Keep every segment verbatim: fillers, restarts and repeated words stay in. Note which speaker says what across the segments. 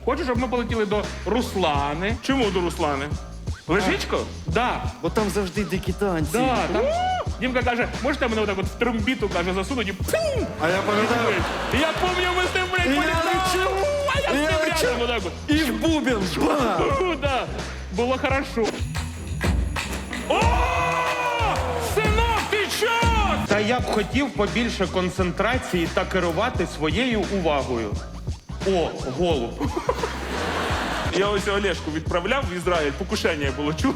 Speaker 1: Хочу, щоб ми полетіли до Руслани. Чому до Руслани? Лежичко? Да.
Speaker 2: Бо там завжди дикі танці.
Speaker 1: Да, там... Дімка каже, можете мене отак от в тромбіту, каже, засунуть і пум!
Speaker 2: А я пам'ятаю.
Speaker 1: І я пам'ятаю, ми з ним, блядь,
Speaker 2: І я
Speaker 1: політали.
Speaker 2: лечу.
Speaker 1: А я з
Speaker 2: І я
Speaker 1: ним
Speaker 2: лечу.
Speaker 1: рядом отак от.
Speaker 2: І в бубен. Ба!
Speaker 1: Ну, да. Було хорошо. О! Синок, ти чо?
Speaker 3: Та я б хотів побільше концентрації та керувати своєю увагою. О, голуб.
Speaker 1: Я ось Олешку відправляв в Ізраїль, покушення було, чув?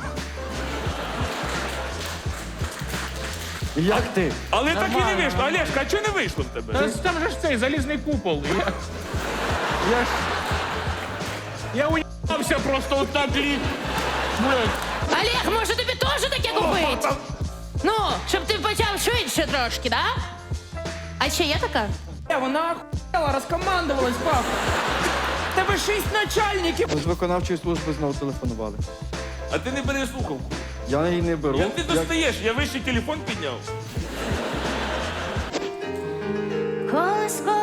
Speaker 2: Як ти?
Speaker 1: Але так і не вийшло. Олешка, а чого не вийшло в тебе? Там же ж цей залізний купол. Я,
Speaker 2: Я ж...
Speaker 1: я уїбався просто отак літ.
Speaker 4: Олег, може тобі теж таке купити? Ну, щоб ти почав швидше трошки, да? А ще є така?
Speaker 5: Е, Вона охуєла, розкомандувалась, пап. В Тебе шість начальників.
Speaker 2: З виконавчої служби знову телефонували.
Speaker 1: А ти не бери слухавку.
Speaker 2: Я її не беру.
Speaker 1: Як ти достаєш? Я вищий телефон підняв.
Speaker 4: Колеско